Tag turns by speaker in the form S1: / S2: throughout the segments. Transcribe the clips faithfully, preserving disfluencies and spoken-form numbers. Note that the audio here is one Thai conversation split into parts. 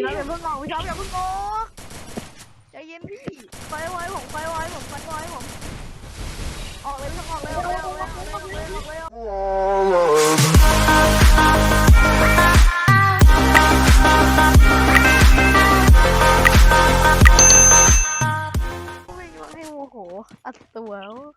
S1: เราอย่าเพิ่งออกพี่ท็อปอย่าเพิ่งออกใจเย็นพี่ไฟไว้ผมไฟไว้ผมไฟไว้ผมออกเลยพี่ท็อปออกเลยออกเลยออกเลยออกเลยออกเลยออกเลยวิ่งมาให้โมโหอัดตัว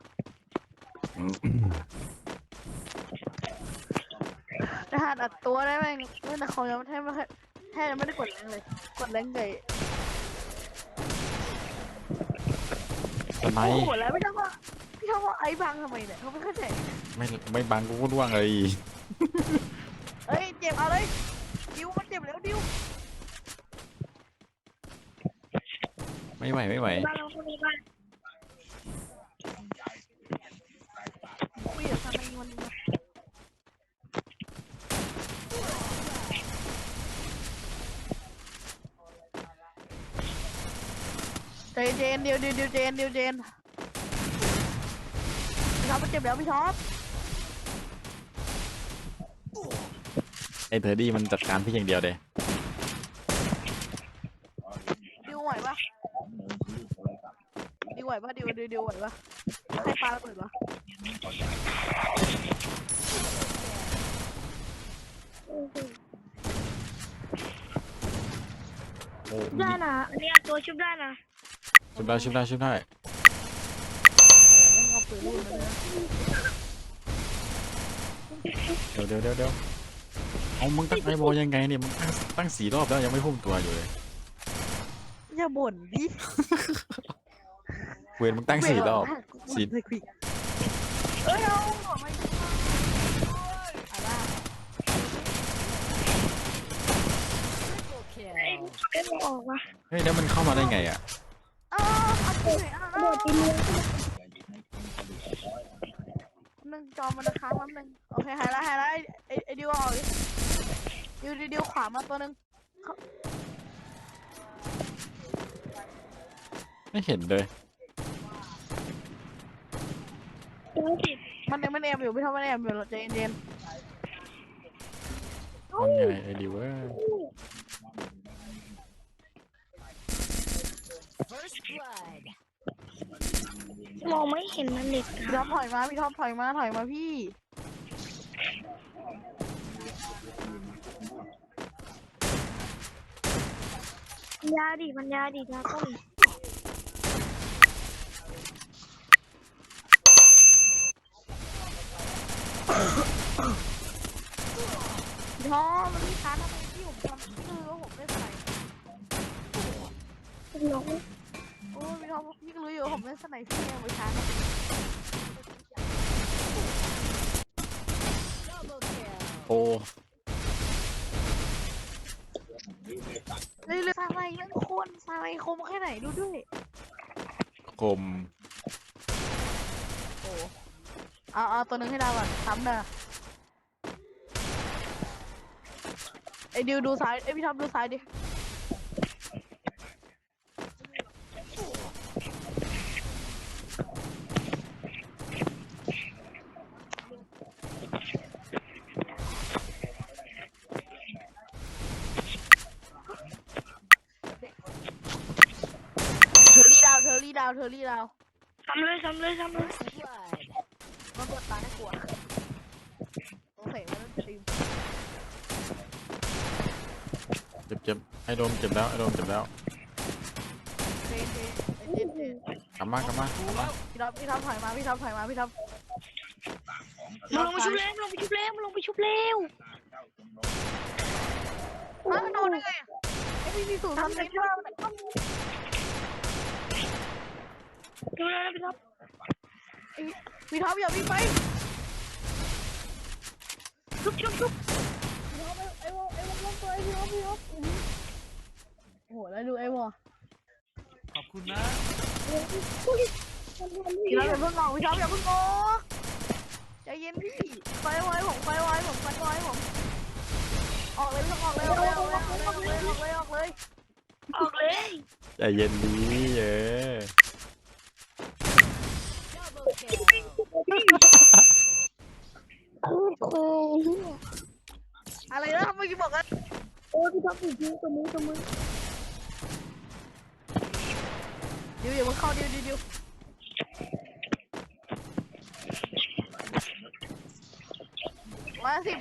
S1: ทหารอัดตัวได้ไหมแต่เขายังแทบไม่แทบไม่ได้กดแรงเลยกดแรงใหญ่
S2: ทำไม
S1: โอ้โหแล้วพี่ท็อปว่าพี่ท็อปว่าไอ้บังทำไมเนี่ยเขาไม่เข้าใจ
S2: ไม่ไม่บังกูก็ร่วงเลย
S1: เฮ้ยเจ็บเอาเลยดิวมันเจ็บแล้วดิว
S2: ไม่ไหวไม่ไหว
S1: บ้านเราคนในบ้านคุยกับทำไมวันนี้เจนเจนเดียวเดียวเดียวเจนเดียวเจนพี่ท็อปมันเจ็บแล้วพี่ท็อป
S2: ไอ้เทอร์ดี้มันจัดการพี่อย่างเดียวเลย
S1: ดิวไหวปะดิวไหวปะดิวดิวดิวไหวปะให้ปลาระเบิดปะ
S2: โอ้
S3: ได้นะอันนี้ตัวชุบได้นะ
S2: ชุบได้ชุบได้ชุบได้เดี๋ยวเดี๋ยวเดี๋ยวเดี๋ยวเอามึงตั้งไอ้โบยังไงเนี่ยมึงตั้งตั้งสี่รอบแล้วยังไม่พุ่งตัวอยู่เลย
S1: อย่าบ่นดิ
S2: เวรมึงตั้งสี่รอบสี่
S1: เอ้ยเอาไม่
S3: เอ็มออกวะ
S2: เฮ้ยแล้วมันเข้ามาได้ไงอ่ะ
S1: เออเอาไปเลยอ่ะโดดไปเลยหนึ่งจอมันค้างแป๊บนึงโอเคหายละหายละไอไอดิวออกดิดิวดิวขวามาตัวนึง
S2: ไม่เห็นเลย
S1: มันยังไม่แอบอยู่พี่ท็อปไม่แอบอยู่ใจเย็น
S2: ๆมันไงไอ้ดิวเว้ย
S3: มองไม่เห็นมันเด็ก
S1: พี่ท็อปถอยมาพี่ท็อปถอยมาถอยมาพี่
S3: ยาดิมันยาดิยาต้น
S1: พี่ท็อปมันมีค้างทำไมพี่ผมทำคือว่าผมไม่ใส่
S3: หลง
S1: โอ้พี่ท็อปพี่ก็รู้อยู่ว่าผมไม่ใส่พี่เอาไปค้าง
S2: โอ้
S1: เลยเลยซาไลนั่นคนซาไลคมแค่ไหนดูด้วย
S2: คม
S1: โอ้เอาเอาตัวนึงให้เราก่อนซ้ำเด้อไอ้ดิวดูซ้ายไอ้พี่ท็อปดูซ้ายดิเธอรี่ดาวเธอรี่ดาวเธอรี่ดาว
S3: ทำเลยทำเลยทำเลย
S1: มันปวดตาให้กลัวต้องเสกแล้วมันตี
S2: เจ็บเจ็บไอ้โดมเจ็บแล้วไอ้โดมเจ็บแล้ว
S1: เจนเจนเจนเจน
S2: กลับมากลับมากลับมา
S1: พี่ท็อปพี่ท็อปถอยมาพี่ท็อปถอยมาพี่ท็อป
S3: ลงไปชุบเร็วลงไปชุบเร็วลงไปชุบเร็ว
S1: อ้าวโดนได้ไงไอ้พี่มีสูตรทำเล็กมาก
S3: ดูแลพี่ท็อป
S1: พี่ท็อปอย่าวิ่งไป
S3: ชุบชุบชุบ
S1: ไอ้วอไอ้วอลงตัวไอ้พี่ท็อปพี่ท็อปโอ้โหแล้วดูไอ้วอ
S2: ขอบคุณนะ
S1: พี่ท็อปอย่าเพิ่งออกพี่ท็อปอย่าเพิ่งออกใจเย็นพี่ไฟไว้ผมไฟไว้ผมไฟไว้ผมออกเลยพี่ท็อปออกเลยออกเลยออกเลยออกเลยออกเลยออกเลย
S3: ออกเลย
S2: ใจเย็นดีเออ
S1: อะไรนะเมื่อกี้บอกกัน
S3: โอ้
S4: อ้พี่ท็อปจริงตัวมือตัวมือ
S1: ดิวอย่ามึงเข้าดิวดิวดิวมาสิ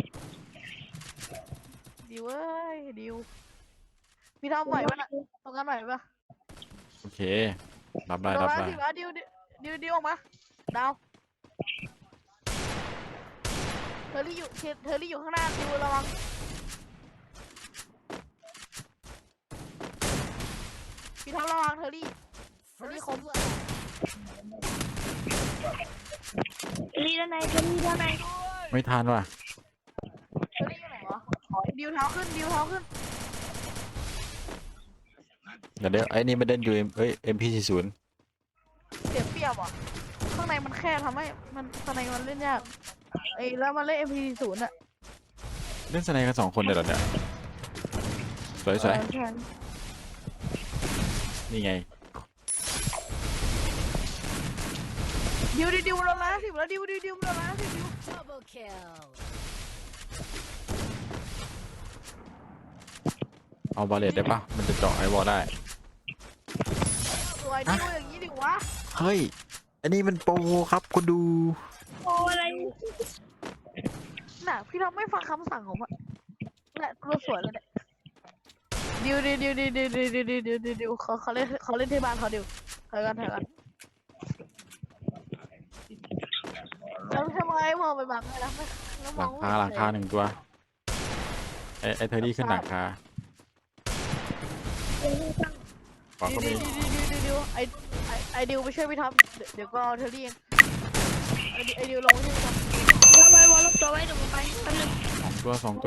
S1: ดิวเอ้ยดิวพี่ทำไหวปะน่ะตรงนั้นไหวปะ
S2: โอเครับได้
S1: ตร
S2: รั
S1: ง
S2: บ
S1: นั้น
S2: ได้
S1: สิวะดิวดิวดิวดิวออกมาดาวเธอรี่อยู่เธอรี่อยู่ข้างหน้าดิวระวังพี่ทำระวังเธอรี่เธอรี่คม
S4: ลีด้านในจะลีด้านใน
S2: ไม่ทันว่ะ
S1: เธอรี่อยู่ไหนวะดิวเท้าขึ้นดิวเท้าขึ้น
S2: เดี๋ยวเดี๋ยวไอ้นี่มันเดินอยู่เอ้ย เอ็ม พี สี่สิบ
S1: เสียเปรียบอ่ะข้างในมันแค่ทำให้มันข้างในมันเล่นยากไอ้แล้วมันเล่น เอ็ม พี ศูนย์อ่ะ
S2: เล่นสไนกันสองคนเดี๋ยวเหรอเนี่ยสวยสวย
S1: เออใช่
S2: นี่ไง
S1: ดิวดิวดิวเราล้านสิบแล้วดิวดิวดิวเราล้านสิบดิว
S5: Double kill.
S2: เอาบาเลตได้ปะมันจะเจาะไอ้วอลได้
S1: สวยดิวอย่างนี้ดิวะ
S2: เฮ้ย อันนี้มันโปรครับคุณดู
S4: โอ้อะไร
S1: น่ะพี่ทำไม่ฟังคำสั่งของมันน่ะตัวสวยเลยเนี่ยดิวดิวดิวดิวดิวดิวดิวดิวดิวดิวเขาเขาเล่นเขาเล่นที่บ้านเขาดิวถอยกันถอยกันแล้วทำไมมองไปบังเลยนะไม่แล้วม
S2: หลั
S1: อง
S2: งคาหลังคาหนึ่งตัว ไอ้ไอ้เทอรี่ขึ้นหลังคาขวา
S1: ดิ
S2: ก็
S1: วดิ
S2: มี
S1: วดิวดิวดิวดิวไอไอไอดิวไปช่วยพี่ท็อปเดี๋ยวเดี๋ยวก็เอาเทอรี่เองไอดิวไอดิวลงไปช่วยพี่ท็อป
S4: วางไว้วางลบตัวไว้เดี๋ยวผมไปแป๊บนึง
S2: สองตัวสองตัว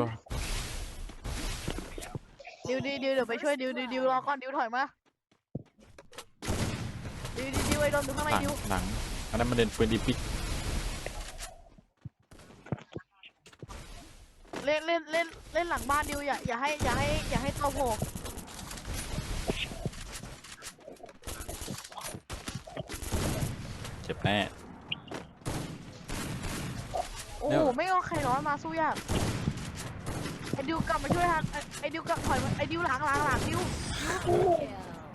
S1: ดิวดิวดิวเดี๋ยวไปช่วยดิวดิวดิวรอก่อนดิวถอยมาดิวดิวดิวไอโดนอยู่ข้างใน
S2: หลัง
S1: ดิว
S2: หลังอันนั้นมันเด่นปืนดีปิก
S1: เล่นเล่นเล่นเล่นหลังบ้านดิวอย่าอย่าให้อย่าให้อย่าให้ตัวโผล่
S2: เจ็บแน่
S1: โอ้
S2: เดี๋
S1: โห
S2: ยว
S1: ไม่เอาใครร้อนมาสู้ยากไอดิวกลับมาช่วยทันไอ้ไอดิวกลับถอยมาไอดิวหลังหลังหลังดิว
S5: Kill.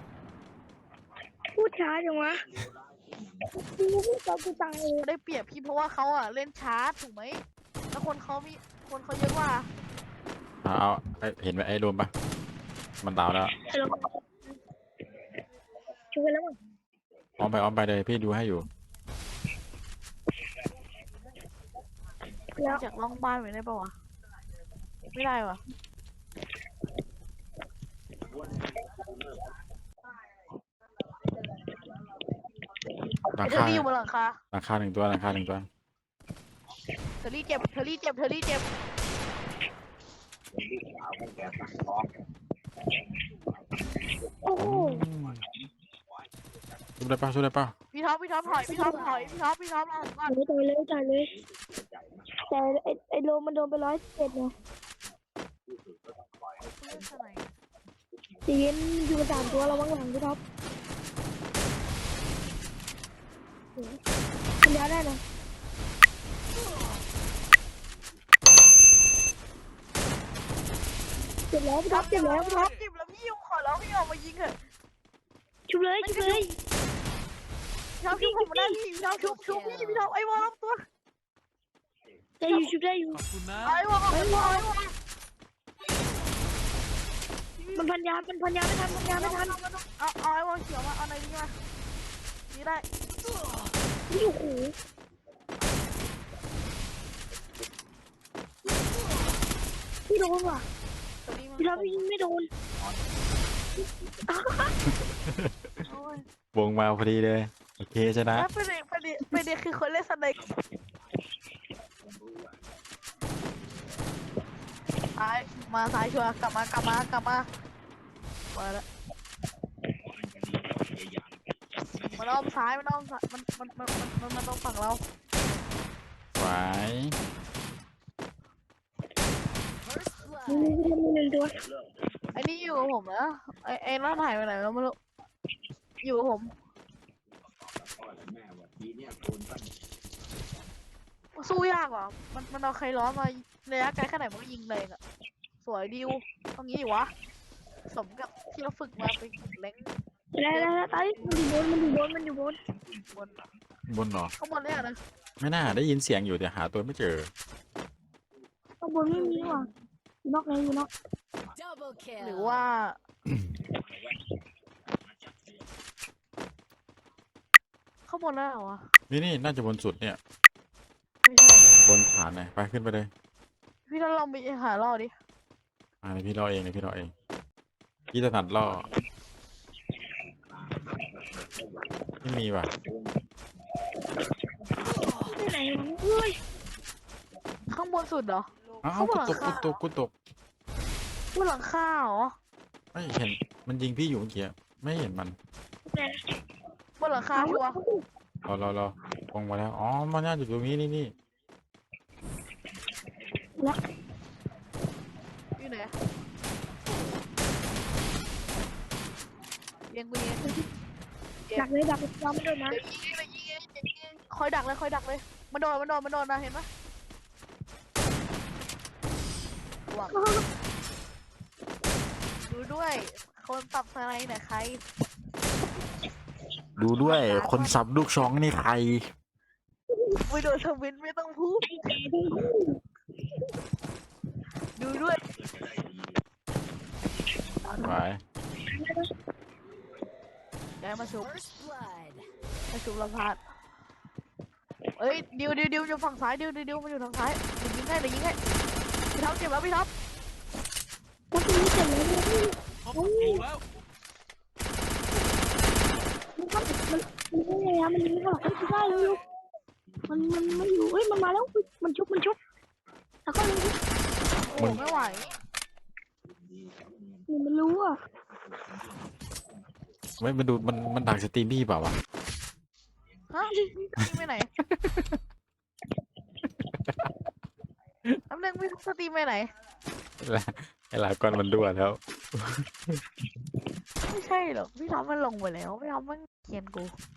S4: พูดช้าจังวะกูพูดตอนกูตายเลย
S1: ได้เปรียบพี่เพราะว่าเขาอ่ะเล่นช้าถูกไหมแล้วคนเขามีคนเขาเยอะกว่า
S2: เอาเอาไอ้เห็นไหมไอ้รวมปะมันดาวแล้ว
S4: แล้วช่วยแล้วมั้ง
S2: อ้อมไปอ้อมไปเลยพี่ดูให้อยู่
S4: แล้ว
S1: จากล่องบ้านไปได้ปะวะไม่ได้วะ
S2: หลั
S1: ไอง เทอ
S2: คา
S1: รี่อยู่บนหลังคา
S2: หลังคาหนึ่งตัวหลังคาหนึ่งตัว
S1: เทอรี่เจ็บเทอรี่เจ็บเทอรี่เจ็บ
S4: โอ้โห
S2: สู้ได้ปะสู้ได้ปะ
S1: พี่ท็อปพี่ท็อปถอยพี่ท็อปถอยพี่ท็อปพี่ท็อปหลังก่อน
S4: ตายเลยตายเลยแต่ไอไอโลมันโดนไปร้อยสิบเจ็ดเนี่ย
S1: เล่นสไนด์
S4: ตีนอยู่กับสามตัวระวังหลังพี่ท็อปปัญญาได้นะเจ็บแล้วพี่ท็อปเจ็บแล้ว
S1: พี่ท็อปเจ็บแล้วพี่ยิงขอแล้วพี่ออกมายิงเถอะ
S4: ชุบเลยชุบเลย
S1: พี่ท็อปชุบผมมาได้พี่พี่ท็อปชุบชุบพี่พี่ท็อปไอ้วอลตัว
S4: ได้อยู่ชุบได้อยู่
S1: ไอ้วอลไอ้วอลไอ้วอล
S4: มันพันยามันพันยาไม่ทันพันยาไม่ทัน
S1: เอาเอาไอ้วอลเขียวมาเอาในนี้มานี่ได้
S4: นี่โอ้โหพี่โดนว่ะ
S1: ตัวนี้มา
S4: พี่ท็อปยิงไม่โดน
S1: โอ้ยว
S2: งมาพอดีเลยโอเคชนะ
S1: แล้วประเด็นประเด็นประเด็นคือคนเล่นสไนด์ซ้ายมาซ้ายชัวร์กลับมากลับมากลับมามาแล้วมันอ้อมซ้ายมันอ้อมซ้ายมันมันมันมันมันมันต้องฝั่งเรา
S2: ไหว
S5: First
S4: มี
S5: blood.
S4: มีหนึ่งตัว
S1: ไอ้นี่อยู่กับผมนะไอ้ไอ้นั่นหายไปไหนแล้วไม่รู้อยู่กับผมสู้ยากว่ะมันมันเอาใครร้อนมาระยะไกลแค่ไหนมันก็ยิงเลยอ่ะสวยดิวตรงนี้อยู่วะสมกับที่เราฝึกมาเป็นเล้ง
S4: แล้วแล้วแล้วตายมันอยู่บนมันอยู่บนมันอยู่บน
S1: บน
S2: บนเหรอ
S1: ข้างบนเนี่ยนะ
S2: ไม่น่าได้ยินเสียงอยู่แต่หาตัวไม่เจอ
S4: ข้างบนไม่มีว่ะอยู่นอกไหนอยู่นอก
S5: Double kill.
S1: หรือว่าข้างบนแล้วเหรอวะ
S2: นี่นี่น่าจะบนสุดเนี่ย
S1: ไม่ใช่
S2: บนฐานเลยไปขึ้นไปเลย
S1: พี่ต้องลองไปหาล่อดิ
S2: อ่าเดี๋ยวพี่รอเองเดี๋ยวพี่รอเองพี่ถนัดล่อไม่มีว่ะ
S4: ที่ไหนวะเฮ้ย
S1: ข้างบนสุดเหรอ
S2: อ้าว
S1: เขาบ
S2: กู
S1: อก
S2: ตกกู
S1: ค่ะ
S2: ตกกูตก
S1: บนหลังคาเหรอ
S2: ไม่เห็นมันยิงพี่อยู่เมื่อกี้ไม่เห็นมัน
S1: บนหลังคาชัวร์
S2: รอรอรอลงมาแล้วอ๋อมันน่าจะอยู่ตรงนี้นี่นี่
S1: อยู่ไหนเลี้ยงกูเลี้ยง
S4: ดักเลยดักเลยเราไม่โดนนะ
S1: เดี๋ยวยิงเลยยิงเลยยิงเลยคอยดักเลยคอยดักเลยมันโดนมันโดนมันโดนนะเห็นปะหวังดูด้วยคนปรับสไลด์ไหนใคร
S2: ดูด้วยคนสับลูกช้องนี่ใคร
S1: ไม่โดนทวินไม่ต้องพูดดูด้วย
S2: ไป
S1: ย้ายมาชุบ
S5: First blood.
S1: มาชุบลำพาดเอ้ยดิวดิวดิวอยู่ฝั่งซ้ายดิวดิวดิวมันอยู่ทางซ้ายเดี๋ยวยิงให้เดี๋ยวยิงให้พี่ท็อปเจ็บแล้วพี่ท็อป
S4: แล้วทีนี้เสร็จแล้วเนี่ย
S3: เขาปักธงแล้ว
S4: มันก็มันมันไม่ไงอะมันไม่หรอกไม่ได้เลยมันมันไม่อยู่เฮ้ยมันมาแล้วมันชุบมันชุบแล้วก็เลย
S1: โอ้โหไม่ไหว
S4: มันรู้อ่ะ
S2: ไม่มันดูมันมันดักสตรีมพี่เปล่าวะ
S1: ฮะยิงไปไหนน้ำหนึ่งพี่สตรีมไปไหน
S2: ไอ้หลายก้อนมันรั่วแล้ว
S1: ไม่ใช่หรอกพี่ท็อปมันลงไปแล้วพี่ท็อปมันเขียนกู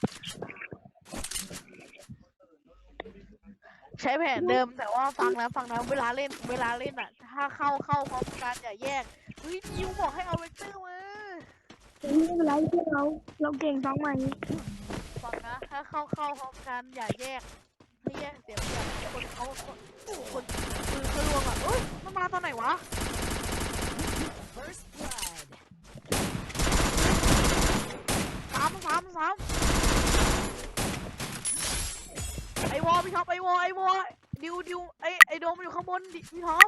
S1: ใช้แผนเดิมแต่ว่าฟังนะฟังนะเวลาเล่นเวลาเล่นอ่ะ ถ้าเข้าเข้าพร้อมกันอย่าแยกเฮ้ยยิวบอกให้เอาเวกเตอร์มา
S4: ไม่เป็นไรที่เราเราเก่งสองใหม่
S1: ฟังนะถ้าเข้าเข้าพร้อมกันอย่าแยกไม่แยกเสียเปรียบคนเขาคนคนคือเขาลวงอ่ะเอ้ยมันมาตอนไหนวะ
S5: First blood.
S1: สามสามสามไอวอลพี่ท็อปไอวอลไอวอลดิวดิวไอไอโดมมันอยู่ข้างบนดิพี่ท็อป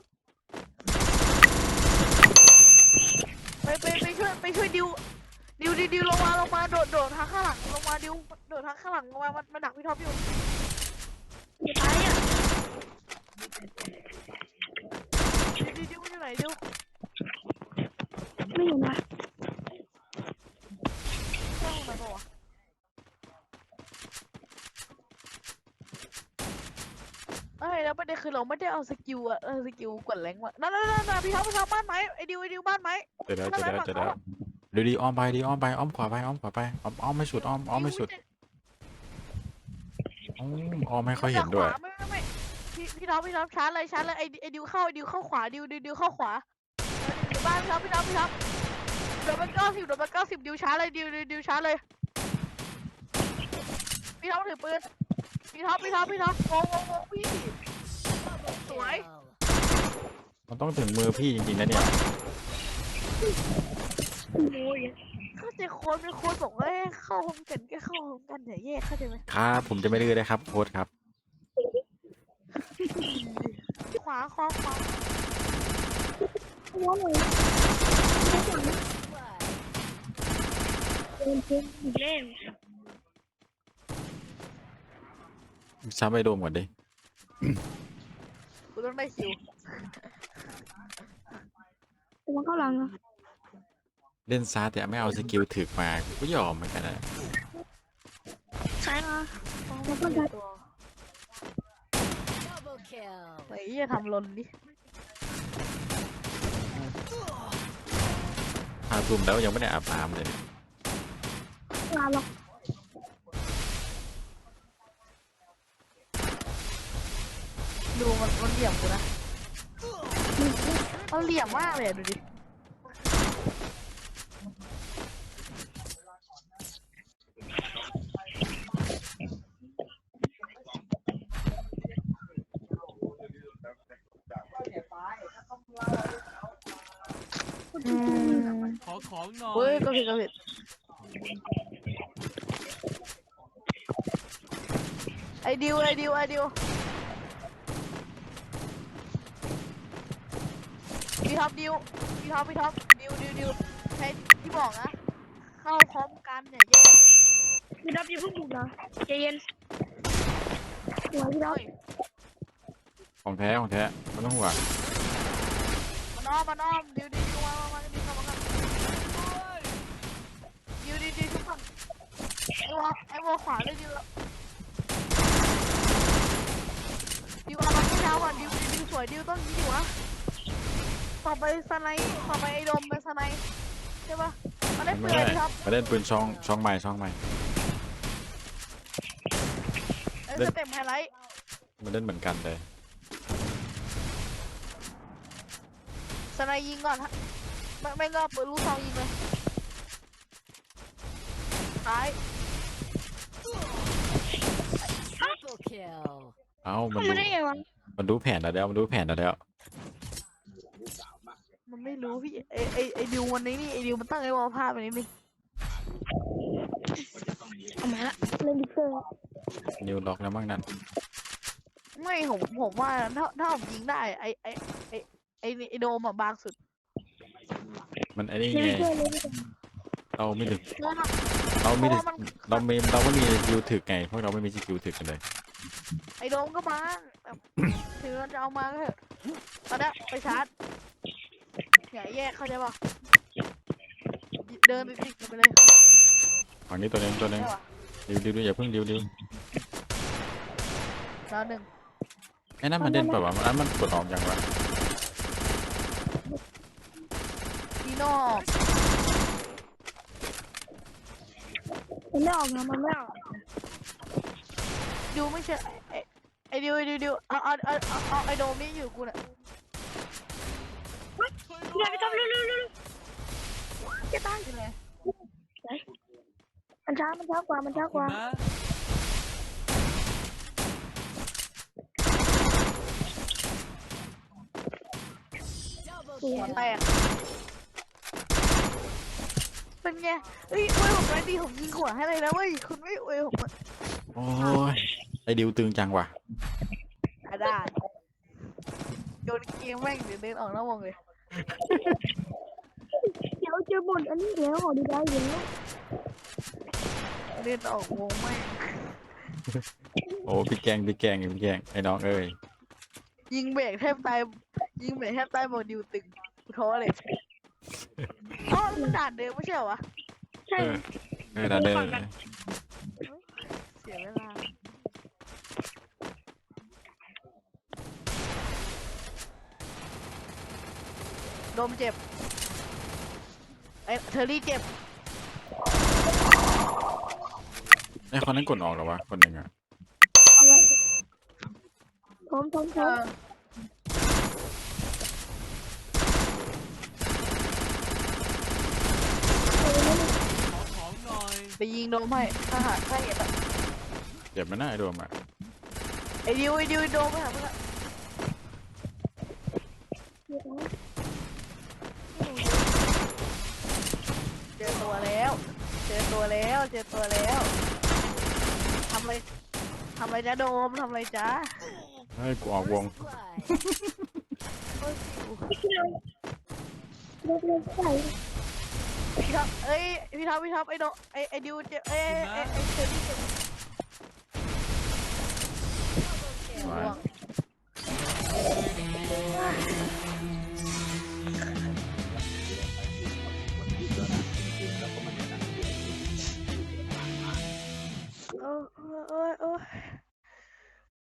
S1: ไปไปไปช่วยไปช่วยดิวดิวดิวดิวลงมาลงมาโดดโดดทางข้างหลังลงมาดิวโดดทางข้างหลังลงมามันมันดักพี่ท็อปอยู่
S4: จะตายอ่ะ
S1: ดิวดิวมันอยู่ไหนดิว
S4: ไม่เห็นนะ
S1: ข้างไหนปะวะเอ้ยแล้วประเด็นคือเราไม่ได้เอาสกิลอะเออสกิลกดแรงว่ะนั่นนั่นนั่นพี่ท็อปพี่ท็อปบ้านไหมไอดิวไอดิวบ้านไหม
S2: เจอแล้วเจอแล้วเจอแล้วเดี๋ยวดีอ้อมไปดีอ้อมไปอ้อมขวาไปอ้อมขวาไปอ้อมอ้อมไม่สุดอ้อมอ้อมไม่สุดอ้อมอ้อมไม่ค่อยเห็นด้วย
S1: ไม่ไม่ไม่พี่พี่ท็อปพี่ท็อปชาร์จเลยชาร์จเลยไอไอดิวเข้าไอดิวเข้าขวาดิวดิวดิวเข้าขวาเดี๋ยวบ้านพี่ท็อปพี่ท็อปพี่ท็อปเดี๋ยวไปเก้าสิบเดี๋ยวไปเก้าสิบดิวชาร์จเลยดิวดิวดิวชาร์จเลยพี่ท็อปถือปืนพี่ท็อปพี่ท็อปพี่ท็อปโงงงงพี่
S5: Double
S1: Tuổi.
S5: kill.
S2: มันต้องถึงมือพี่จริงๆนะเนี่ย
S4: โอ้ย
S1: เข้าใจโค้ดเป็นโค้ดบอกว่าให้เข้าพร้อมกันก็เข้าพร้อมกันอย่าแยกเข้าใจไหม
S2: ครับผมจะไม่ดื้อเลยครับโค้ชครับ
S1: ขวาขวาขวา
S4: หัวเลย
S5: Blood.
S4: เดินเดินอีกแล้ว
S2: ซ้ำไปโดมก่อนดิ
S1: กูต้องได้คิว
S4: ตัวเข้าหลังอ่ะ
S2: เล่นซาแต่ไม่เอาสกิลถึกมาก็ยอมเหมือนกันนะ
S4: ใช่มา
S1: แล้วก็ได้ตัว
S5: Double kill.
S1: ไอ้ยี่ทำลนดิ
S2: อาทุ่มแล้วยังไม่ได้อาบน้ำเลยเนี่ย
S4: ลาหรอก
S1: ดูมันมันเหยียบกูนะ
S4: มัน
S1: เขาเหลี่ยมมากเลยอะดูดิอืม
S6: ขอของหน่อ
S1: เฮ้ย
S6: ย
S1: ก็ผิดก็ผิดไอดิวไอดิวไอดิวพี่ท็อปดิวพี่ท็อปพี่ท็อปดิวดิวดิวใช้ที่บอกนะเข้าพร้อมกันอย่าแยก
S4: พี่ดับอย่าเพิ่งบุกนะใจเย็นหัวพี่ดับ
S1: เฮ้ย
S2: ของแท้ของแท้ไม่ต้องห่วง
S1: มันอ้อมมันอ้อมดิวดิวดิวมามามาดิวมามาดิวดิวดิวทุกคนไอ้วอไอ้วอขวาเลยดิวดิวเอามาที่เท้าก่อนดิวดิวดิวสวยดิวต้องยิงดิวอะต่อไปสไนด์ต่อไปไอ้ดมเป็นสไนด์ใช่ปะมาได้
S2: ไม่
S1: เปลื
S2: ได้
S1: อยดิครับ
S2: มาเล่นปืนช่องช่องใหม่ช่องใหม่
S1: ไอ้
S2: เล่น
S1: สเต็ปไฮไลท์
S2: มาเล่นเหมือนกันเลย
S1: สไนด์ยิงก่อนฮะไม่ไม่ก็ปืนลูกซองยิงเลยท้าย
S5: Triple kill.
S2: เอ้ามัน
S4: ทำ
S2: ดู
S4: มาได้ไงวะ
S2: มันดูแผนเราแล้วมันดูแผนเราแล้ว
S1: มันไม่รู้พี่ไอไอไอดิววันนี้นี่ไอดิวมันตั้งไอ้วอลภาพแบบนี้นี่
S4: เอามาละเล่นดิเกอร์
S2: นิวล็อกแล้วมั้งนั่น
S1: ไม่ผมผมว่าถ้าถ้าผมยิงได้ไอไอไอไอไอโดมอะบางสุด
S2: มันไอ้นี่
S4: เล่น
S2: ไง
S4: ดิเกอร์เล่นดิเกอร์
S2: เราไม่ถึง
S1: เพราะว่า
S2: เราไม่ถึง
S1: เพราะว่ามัน
S2: เราไม่เราไม่มีสกิลถึกไงพวกเราไม่มีสกิลถึกกันเลย
S1: ไอโดมก็บางแบบถึงเราจะเอามาก็เถอะตอนนี้ไปชาร์จอย่าแยกเข้าใจป่ะเดินไปติดกันไปเลย
S2: ฝั่งนี้ตัวหนึงตัวหนึง
S1: ได้ปะ
S2: ดิวดิวดิวอย่าเพิ่งดิวดิว
S1: ดาวหนึ่ง
S2: ไอ้นั่นมันเด่นเปล่าวะอันนั้นมันกดออกยังวะ
S1: ดีโน่
S4: มันไม่ออกนะมันไม่ออก
S1: ดิวไม่ใช่ไอไอดิวไอดิวดิวเอาเอาเอาเอาเอาไอโดมนี่อยู่กูน่ะ
S4: พี่ดับพี่ดับเร็วเร็วเร็วจะตาย
S1: ใช่ไหม
S4: มันช้ามันช้ากว่ามันช้ากว่า
S6: นะ
S5: Double
S1: หัว
S5: kill.
S1: แตกเป็นไงเฮ้ยเว้ยผมไม่ดีผมยิงหัวให้เลยนะเว้ยคุณไม่เว้ยผมอะ
S2: โอ้ยไอ้ดิวตึงจังว่ะ
S1: อ่ะได้โยนเกมแม่งเดี๋ยวเดินออกนอกวงเลย
S4: เดี๋ยวเจอบนอันนี้แล้วขอดูได้เดี๋ยว
S1: เดินออกวงแม่ง
S2: โอ้พี่แกงพี่แกงพี่แกงไอ้น้องเอ้ย
S1: ยิงเบรกแทบตายยิงเบรกแทบตายบอกดิวตึงกูท้อเลยอ๋อมันด่านเดิมไม่ใช่เหรอวะ
S4: ใช่
S2: เออเออดาเดอร์
S1: เสียเวลาโดมเจ็บไอ้เทอร์รี่เจ็บ
S2: ไอ้คนนั้นกดออกเหรอวะคนหนึ่งอ่ะ
S4: เอาไว้พร้อมพร้อมพ
S1: เอ
S4: ร้อม
S1: อ
S6: ขอของหน่อย
S1: ไปยิงโดมให้ถ้าหาถ้าเห็นอะ
S2: เจ็บไหมันน่าไอ้โดมอ่ะ
S1: ไอ้ดิวไอ้ดิวโดมไปหาเพื่อนเจอตัวแล้ว เจอตัวแล้ว เจอตัวแล้วทำอะไรทำอะไรจ้าโดมทำอะไรจ้า
S2: เฮ้ยกูออกวง
S5: Blood.
S1: โอ้ยสิว
S4: เล่นเล่นใส่
S1: พี่ท็อปเอ้ยพี่ท็อปพี่ท็อปไอ้โดไอ้ไอ้ดิวเจ็บเอ้ยไอ้ไอ้เชอรี่เจ็บ
S5: Double kill.
S1: ร่วง